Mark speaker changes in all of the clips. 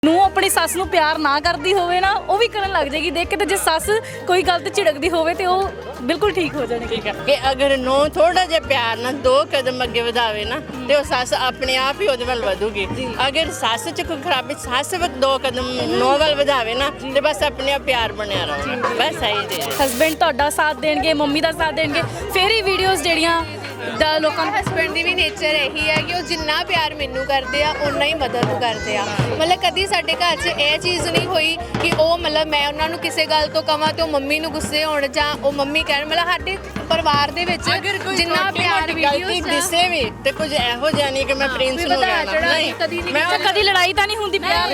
Speaker 1: ਨੂੰ ਆਪਣੀ ਸੱਸ ਨੂੰ ਪਿਆਰ ਨਾ ਕਰਦੀ ਹੋਵੇ ਨਾ ਉਹ ਵੀ ਕਰਨ ਲੱਗ ਜਾਏਗੀ ਦੇਖ ਕੇ। ਤੇ ਜੇ ਸੱਸ ਕੋਈ ਗਲਤ ਝਿੜਕਦੀ ਹੋਵੇ ਤੇ ਉਹ ਬਿਲਕੁਲ ਠੀਕ ਹੋ ਜਾਣਗੇ।
Speaker 2: ਠੀਕ ਹੈ ਕਿ ਅਗਰ ਨੂੰ ਥੋੜਾ ਜਿਹਾ ਪਿਆਰ ਨਾਲ 2 ਕਦਮ ਅੱਗੇ ਵਧਾਵੇ ਨਾ ਤੇ ਉਹ ਸੱਸ ਆਪਣੇ ਆਪ ਹੀ ਉਹਦੇ ਵੱਲ ਵਧੂਗੀ। ਅਗਰ ਸੱਸ ਚ ਕੋਈ ਖਰਾਬੀ ਸੱਸ 2 ਕਦਮ ਨੂੰ ਵੱਲ ਵਧਾਵੇ ਨਾ ਤੇ ਬਸ ਆਪਣੇ ਆਪ ਪਿਆਰ ਬਣਿਆ ਰਹੂਗਾ। ਬਸ ਇਹੀ ਜੀ।
Speaker 1: ਹਸਬੈਂਡ ਤੁਹਾਡਾ ਸਾਥ ਦੇਣਗੇ, ਮੰਮੀ ਦਾ ਸਾਥ ਦੇਣਗੇ, ਫਿਰ ਹੀ ਵੀਡੀਓਜ਼ ਜਿਹੜੀਆਂ ਲੋਕਾਂ ਨੂੰ।
Speaker 3: ਹਸਬੈਂਡ ਦੀ ਵੀ ਨੇਚਰ ਇਹੀ ਹੈ ਕਿ ਉਹ ਜਿੰਨਾ ਪਿਆਰ ਮੈਨੂੰ ਕਰਦੇ ਆ ਉਨਾ ਹੀ ਮਦਰ ਨੂੰ ਕਰਦੇ ਆ। ਮਤਲਬ ਕਦੀ ਸਾਡੇ ਘਰ 'ਚ ਇਹ ਚੀਜ਼ ਨਹੀਂ ਹੋਈ ਕਿ ਉਹ ਮਤਲਬ ਮੈਂ ਉਹਨਾਂ ਨੂੰ ਕਿਸੇ ਗੱਲ ਤੋਂ ਕਵਾਂ ਤੇ ਉਹ ਮੰਮੀ ਨੂੰ ਗੁੱਸੇ ਹੋਣ ਜਾਂ ਉਹ ਮੰਮੀ ਕਹਿਣ। ਮਤਲਬ ਸਾਡੇ ਪਰਿਵਾਰ ਦੇ ਵਿੱਚ ਜਿੰਨਾ ਪਿਆਰ ਵੀਡੀਓਜ਼
Speaker 2: ਦਿਸੇ ਵੀ ਤੇ ਕੁਝ ਇਹੋ ਜਿਹਾ ਨਹੀਂ ਕਿ ਮੈਂ ਪ੍ਰਿੰਸ ਨੂੰ ਕਹਿਣਾ ਨਹੀਂ।
Speaker 1: ਕਦੀ ਲੜਾਈ ਤਾਂ ਨਹੀਂ ਹੁੰਦੀ ਪਿਆਰ?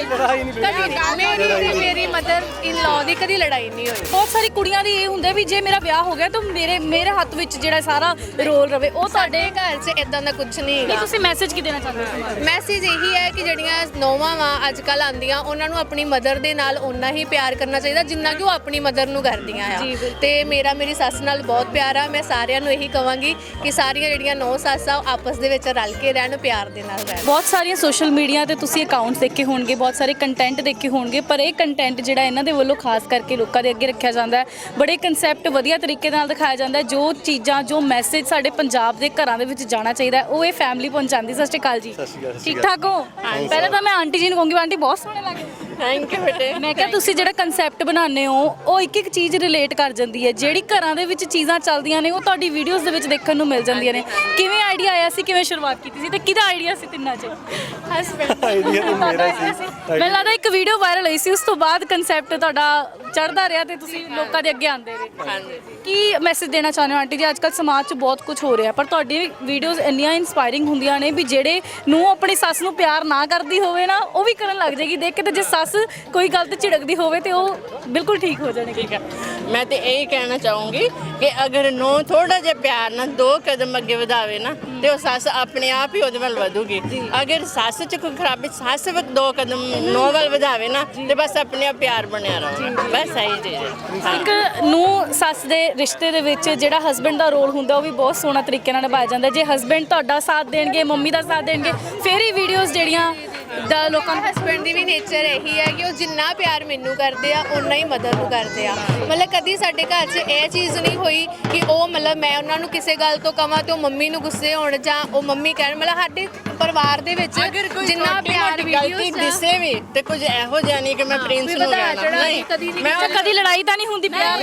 Speaker 3: ਕਦੀ ਮੇਰੀ ਮਦਰ ਇਨ ਲਾਅ ਦੀ ਕਦੀ ਲੜਾਈ ਨਹੀਂ ਹੋਈ।
Speaker 1: ਬਹੁਤ ਸਾਰੀ ਕੁੜੀਆਂ ਦੀ ਇਹ ਹੁੰਦਾ ਵੀ ਜੇ ਮੇਰਾ ਵਿਆਹ ਹੋ ਗਿਆ ਤਾਂ ਮੇਰੇ ਹੱਥ ਵਿੱਚ ਜਿਹੜਾ ਸਾਰਾ ਰੋਲ ਰਵੇ। ਉਹ
Speaker 3: ਸਾਡੇ ਘਰ 'ਚ ਇਦਾਂ ਦਾ ਕੁਝ ਨਹੀਂ ਹੈਗਾ।
Speaker 1: ਤੁਸੀਂ ਮੈਸੇਜ ਕੀ ਦੇਣਾ ਚਾਹੁੰਦੇ ਹੋ?
Speaker 3: ਮੈਸੇਜ ਇਹੀ ਹੈ ਕਿ ਜਿਹੜੀਆਂ ਨੌਵਾਂ ਵਾ ਅੱਜ ਕੱਲ੍ਹ ਆਉਂਦੀਆਂ ਉਹਨਾਂ ਨੂੰ ਆਪਣੀ ਮਦਰ ਦੇ ਨਾਲ ਓਨਾ ਹੀ ਪਿਆਰ ਕਰਨਾ ਚਾਹੀਦਾ ਜਿੰਨਾ ਕਿ ਉਹ ਆਪਣੀ ਮਦਰ ਨੂੰ ਕਰਦੀਆਂ ਆ। ਤੇ ਮੇਰੀ ਸੱਸ ਨਾਲ ਬਹੁਤ ਪਿਆਰ ਆ। ਮੈਂ ਸਾਰਿਆਂ ਨੂੰ ਇਹੀ ਕਹਾਂਗੀ ਕਿ ਸਾਰੀਆਂ ਜਿਹੜੀਆਂ ਨੌ ਸੱਸ ਆ ਉਹ ਆਪਸ ਦੇ ਵਿੱਚ ਰਲ ਕੇ ਰਹਿਣ, ਪਿਆਰ ਦੇ ਨਾਲ ਰਹਿਣ।
Speaker 1: ਬਹੁਤ ਸਾਰੀਆਂ ਸੋਸ਼ਲ ਮੀਡੀਆ ਤੇ ਤੁਸੀਂ ਅਕਾਊਂਟਸ ਦੇਖੇ ਹੋਣਗੇ, ਬਹੁਤ ਸਾਰੇ ਕੰਟੈਂਟ ਦੇਖੇ ਹੋਣਗੇ, ਪਰ ਇਹ ਕੰਟੈਂਟ ਜਿਹੜਾ ਇਹਨਾਂ ਦੇ ਵੱਲੋਂ ਖਾਸ ਕਰਕੇ ਲੋਕਾਂ ਦੇ ਅੱਗੇ ਰੱਖਿਆ ਜਾਂਦਾ ਹੈ। ਬੜੇ ਕਨਸੈਪਟ ਵਧੀਆ ਤਰੀਕੇ ਨਾਲ ਦਿਖਾਇਆ ਜਾਂਦਾ ਹੈ। ਜੋ ਚੀਜ਼ਾਂ ਜੋ ਮੈਸੇਜ ਸਾਡੇ ਪੰਜਾਬ ਦੇ ਘਰਾਂ ਦੇ ਵਿੱਚ ਜਾਣਾ ਚਾਹੀਦਾ ਉਹ ਇਹ ਫੈਮਿਲੀ ਪਹੁੰਚਾਉਂਦੀ। ਸਤਿ ਸ਼੍ਰੀ ਅਕਾਲ ਜੀ। ਠੀਕ ਠਾਕ ਹੋ? ਪਹਿਲਾਂ ਤਾਂ ਮੈਂ ਆਂਟੀ ਜੀ ਨੂੰ ਕਹੂੰਗੀ, ਆਂਟੀ ਬਹੁਤ ਸੋਹਣੇ ਲੱਗਦੇ।
Speaker 2: ਥੈਂਕ ਯੂ ਬੇਟੇ।
Speaker 1: ਮੈਂ ਕਿਹਾ ਤੁਸੀਂ ਜਿਹੜਾ ਕਨਸੈਪਟ ਬਣਾਉਂਦੇ ਹੋ ਉਹ ਇੱਕ ਇੱਕ ਚੀਜ਼ ਰਿਲੇਟ ਕਰ ਜਾਂਦੀ ਹੈ। ਜਿਹੜੀ ਘਰਾਂ ਦੇ ਵਿੱਚ ਚੀਜ਼ਾਂ ਚੱਲਦੀਆਂ ਨੇ ਉਹ ਤੁਹਾਡੀ ਵੀਡੀਓਜ਼ ਦੇ ਵਿੱਚ ਦੇਖਣ ਨੂੰ ਮਿਲ ਜਾਂਦੀਆਂ ਨੇ। ਕਿਵੇਂ ਆਈਡੀਆ ਆਇਆ ਸੀ, ਕਿਵੇਂ ਸ਼ੁਰੂਆਤ ਕੀਤੀ ਸੀ ਤੇ ਕਿਹਦਾ ਆਈਡੀਆ ਸੀ ਤਿੰਨਾਂ 'ਚ?
Speaker 3: ਹਸਬੈਂਡ
Speaker 4: ਆਈਡੀਆ ਤਾਂ ਮੇਰਾ ਸੀ।
Speaker 1: ਮੈਨੂੰ ਲੱਗਦਾ ਇੱਕ ਵੀਡੀਓ ਵਾਇਰਲ ਹੋਈ ਸੀ, ਉਸ ਤੋਂ ਬਾਅਦ ਕਨਸੈਪਟ ਤੁਹਾਡਾ ਚੜ੍ਹਦਾ ਰਿਹਾ ਤੇ ਤੁਸੀਂ ਲੋਕਾਂ ਦੇ ਅੱਗੇ ਆਉਂਦੇ ਰਹੇ।
Speaker 2: ਹਾਂਜੀ।
Speaker 1: ਕੀ ਮੈਸੇਜ ਦੇਣਾ ਚਾਹੁੰਦੇ ਹੋ ਆਂਟੀ ਜੀ? ਅੱਜ ਕੱਲ੍ਹ ਸਮਾਜ 'ਚ ਬਹੁਤ ਕੁਝ ਹੋ ਰਿਹਾ ਪਰ ਤੁਹਾਡੀ ਵੀਡੀਓਜ਼ ਇੰਨੀਆਂ ਇਨਸਪਾਇਰਿੰਗ ਹੁੰਦੀਆਂ ਨੇ ਵੀ ਜਿਹੜੇ ਨੂੰ ਆਪਣੀ ਸੱਸ ਨੂੰ ਪਿਆਰ ਨਾ ਕਰਦੀ ਹੋਵੇ ਨਾ ਉਹ ਵੀ ਕਰਨ ਲੱਗ ਜਾਏਗੀ ਦੇਖ ਕੇ। ਤੇ ਜੇ ਸੱਸ ਕੋਈ ਗਲਤ ਝਿੜਕਦੀ ਹੋਵੇ ਤੇ ਉਹ ਬਿਲਕੁਲ ਠੀਕ ਹੋ ਜਾਣਗੇ।
Speaker 2: ਠੀਕ ਹੈ ਮੈਂ ਤੇ ਇਹੀ ਕਹਿਣਾ ਚਾਹੂੰਗੀ ਕਿ ਅਗਰ ਨੂੰ ਥੋੜਾ ਜਿਹਾ ਪਿਆਰ ਨਾਲ 2 ਕਦਮ ਅੱਗੇ ਵਧਾਵੇ ਨਾ ਤੇ ਉਹ ਸੱਸ ਆਪਣੇ ਆਪ ਹੀ ਉਹਦੇ ਵੱਲ ਵਧੂਗੀ। ਅਗਰ ਸੱਸ ਚ ਕੋਈ ਖਰਾਬੀ ਸੱਸ 2 ਕਦਮ ਨੂੰ ਵੱਲ ਵਧਾਵੇ ਨਾ ਤੇ ਬਸ ਆਪਣੇ ਆਪ ਪਿਆਰ ਬਣਿਆ ਰਹੂਗਾ। ਬਸ ਇਹੀ ਜੀ।
Speaker 1: ਇੱਕ ਨੂੰ ਸੱਸ ਦੇ ਰਿਸ਼ਤੇ ਦੇ ਵਿੱਚ ਜਿਹੜਾ ਹਸਬੈਂਡ ਦਾ ਰੋਲ ਹੁੰਦਾ ਉਹ ਵੀ ਬਹੁਤ ਸੋਹਣਾ ਤਰੀਕੇ ਨਾਲ ਨਿਭਾਇਆ ਜਾਂਦਾ। ਜੇ ਹਸਬੈਂਡ ਤੁਹਾਡਾ ਸਾਥ ਦੇਣਗੇ, ਮੰਮੀ ਦਾ ਸਾਥ ਦੇਣਗੇ, ਫਿਰ ਹੀ ਵੀਡੀਓਜ਼ ਜਿਹੜੀਆਂ ਲੋਕਾਂ ਨੂੰ।
Speaker 3: ਹਸਬੈਂਡ ਦੀ ਵੀ ਨੇਚਰ ਇਹੀ ਹੈ ਕਿ ਉਹ ਜਿੰਨਾ ਪਿਆਰ ਮੈਨੂੰ ਕਰਦੇ ਆ ਉਨਾ ਹੀ ਮਦਰ ਨੂੰ ਕਰਦੇ ਆ। ਮਤਲਬ ਕਦੀ ਸਾਡੇ ਘਰ 'ਚ ਇਹ ਚੀਜ਼ ਨਹੀਂ ਹੋਈ ਕਿ ਉਹ ਮਤਲਬ ਮੈਂ ਉਹਨਾਂ ਨੂੰ ਕਿਸੇ ਗੱਲ ਤੋਂ ਕਵਾਂ ਤੇ ਉਹ ਮੰਮੀ ਨੂੰ ਗੁੱਸੇ ਹੋਣ ਜਾਂ ਉਹ ਮੰਮੀ ਕਹਿਣ। ਮਤਲਬ ਸਾਡੇ ਪਰਿਵਾਰ ਦੇ ਵਿੱਚ ਜਿੰਨਾ ਪਿਆਰ ਵੀਡੀਓਜ਼
Speaker 2: ਦਿਸੇ ਵੀ ਤੇ ਕੁਝ ਇਹੋ ਜਿਹਾ ਨਹੀਂ ਕਿ ਮੈਂ ਪ੍ਰਿੰਸ ਨੂੰ ਕਹਿਣਾ ਨਹੀਂ।
Speaker 1: ਕਦੀ ਲੜਾਈ ਤਾਂ ਨਹੀਂ ਹੁੰਦੀ ਪਿਆਰ?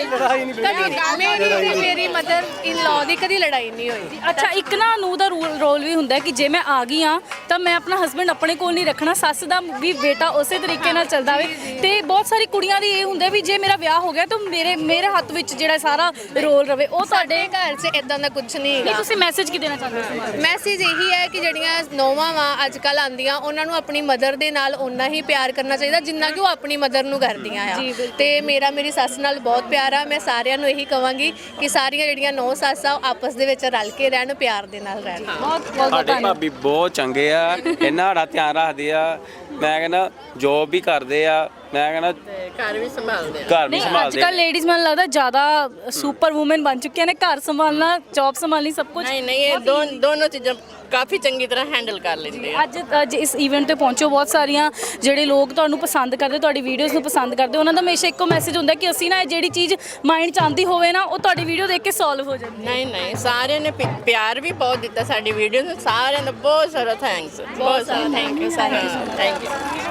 Speaker 3: ਮੇਰੀ ਮਦਰ ਇਨ ਲਾਅ ਦੀ ਕਦੀ ਲੜਾਈ ਨਹੀਂ ਹੋਈ।
Speaker 1: ਅੱਛਾ, ਇੱਕ ਨਾ ਨੂੰ ਦਾ ਰੋਲ ਵੀ ਹੁੰਦਾ ਕਿ ਜੇ ਮੈਂ ਆ ਗਈ ਆ ਤਾਂ ਮੈਂ ਆਪਣਾ ਹਸਬੈਂਡ ਆਪਣੇ ਕੋਲ ਨਹੀਂ ਰੱਖਣਾ, ਸੱਸ ਦਾ ਵੀ ਬੇਟਾ ਉਸੇ ਤਰੀਕੇ ਨਾਲ ਚੱਲਦਾ ਹੋਵੇ। ਤੇ ਬਹੁਤ ਸਾਰੀ ਕੁੜੀਆਂ ਦੀ ਇਹ ਹੁੰਦਾ ਵੀ ਜੇ ਮੇਰਾ ਵਿਆਹ ਹੋ ਗਿਆ ਤਾਂ ਮੇਰੇ ਹੱਥ ਵਿੱਚ ਜਿਹੜਾ ਸਾਰਾ ਰੋਲ ਰਵੇ। ਉਹ
Speaker 3: ਸਾਡੇ ਘਰ 'ਚ ਇਦਾਂ ਦਾ ਕੁਝ ਨਹੀਂ ਹੈਗਾ।
Speaker 1: ਤੁਸੀਂ ਮੈਸੇਜ ਕੀ ਦੇਣਾ ਚਾਹੁੰਦੇ ਹੋ?
Speaker 3: ਮੈਸੇਜ ਇਹੀ ਹੈ ਕਿ ਜਿਹੜੀਆਂ ਨੌਵਾਂ ਵਾ ਅੱਜ ਕੱਲ੍ਹ ਆਉਂਦੀਆਂ ਉਹਨਾਂ ਨੂੰ ਆਪਣੀ ਮਦਰ ਦੇ ਨਾਲ ਓਨਾ ਹੀ ਪਿਆਰ ਕਰਨਾ ਚਾਹੀਦਾ ਜਿੰਨਾ ਕਿ ਉਹ ਆਪਣੀ ਮਦਰ ਨੂੰ ਕਰਦੀਆਂ ਆ। ਤੇ ਮੇਰੀ ਸੱਸ ਨਾਲ ਬਹੁਤ ਪਿਆਰ ਆ। ਮੈਂ ਸਾਰਿਆਂ ਨੂੰ ਇਹੀ ਕਹਾਂਗੀ ਕਿ ਸਾਰੀਆਂ ਜਿਹੜੀਆਂ ਨੌ ਸੱਸ ਆ ਉਹ ਆਪਸ ਦੇ ਵਿੱਚ ਰਲ ਕੇ ਰਹਿਣ, ਪਿਆਰ ਦੇ ਨਾਲ ਰਹਿਣ।
Speaker 4: ਸਾਡੇ ਭਾਬੀ ਬਹੁਤ ਚੰਗੇ ਆ, ਇਹਨਾਂ ਸਾਡਾ ਧਿਆਨ ਰੱਖਦੇ ਆ। ਮੈਂ ਕਹਿੰਦਾ ਜੋਬ ਵੀ ਕਰਦੇ ਆ, ਮੈਂ ਕਹਿੰਦਾ
Speaker 2: ਘਰ ਵੀ ਸੰਭਾਲਦੇ ਆ।
Speaker 4: ਘਰ ਵੀ
Speaker 1: ਅੱਜ
Speaker 4: ਸੰਭਾਲਦੇ
Speaker 1: ਕੱਲ੍ਹ ਲੇਡੀਜ਼ ਮੈਨੂੰ ਲੱਗਦਾ ਜ਼ਿਆਦਾ ਸੁਪਰ ਵੂਮਨ ਬਣ ਚੁੱਕੀਆਂ ਨੇ। ਘਰ ਸੰਭਾਲਣਾ, ਜੌਬ ਸੰਭਾਲਣੀ, ਸਭ ਕੁਝ।
Speaker 2: ਨਹੀਂ ਇਹ ਦੋਨੋਂ ਚੀਜ਼ਾਂ ਕਾਫੀ ਚੰਗੀ ਤਰ੍ਹਾਂ ਹੈਂਡਲ ਕਰ ਲੈਂਦੇ ਆ।
Speaker 1: ਅੱਜ ਇਸ ਇਵੈਂਟ ਤੇ ਪਹੁੰਚੋ, ਬਹੁਤ ਸਾਰੀਆਂ ਜਿਹੜੇ ਲੋਕ ਤੁਹਾਨੂੰ ਪਸੰਦ ਕਰਦੇ, ਤੁਹਾਡੀ ਵੀਡੀਓਜ਼ ਨੂੰ ਪਸੰਦ ਕਰਦੇ, ਉਹਨਾਂ ਦਾ ਹਮੇਸ਼ਾ ਇੱਕੋ ਮੈਸੇਜ ਹੁੰਦਾ ਕਿ ਅਸੀਂ ਨਾ ਜਿਹੜੀ ਚੀਜ਼ ਮਾਈਂਡ 'ਚ ਆਉਂਦੀ ਹੋਵੇ ਨਾ ਉਹ ਤੁਹਾਡੀ ਵੀਡੀਓ ਦੇਖ ਕੇ ਸੋਲਵ ਹੋ ਜਾਂਦੀ ਹੈ।
Speaker 2: ਨਹੀਂ ਸਾਰਿਆਂ ਨੇ ਪਿਆਰ ਵੀ ਬਹੁਤ ਦਿੱਤਾ ਸਾਡੀ ਵੀਡੀਓ ਨੂੰ। ਸਾਰਿਆਂ ਦਾ ਬਹੁਤ ਸਾਰਾ ਥੈਂਕਸ, ਬਹੁਤ ਸਾਰਾ ਥੈਂਕ ਯੂ ਸਾਰਿਆਂ ਨੂੰ। Thank you.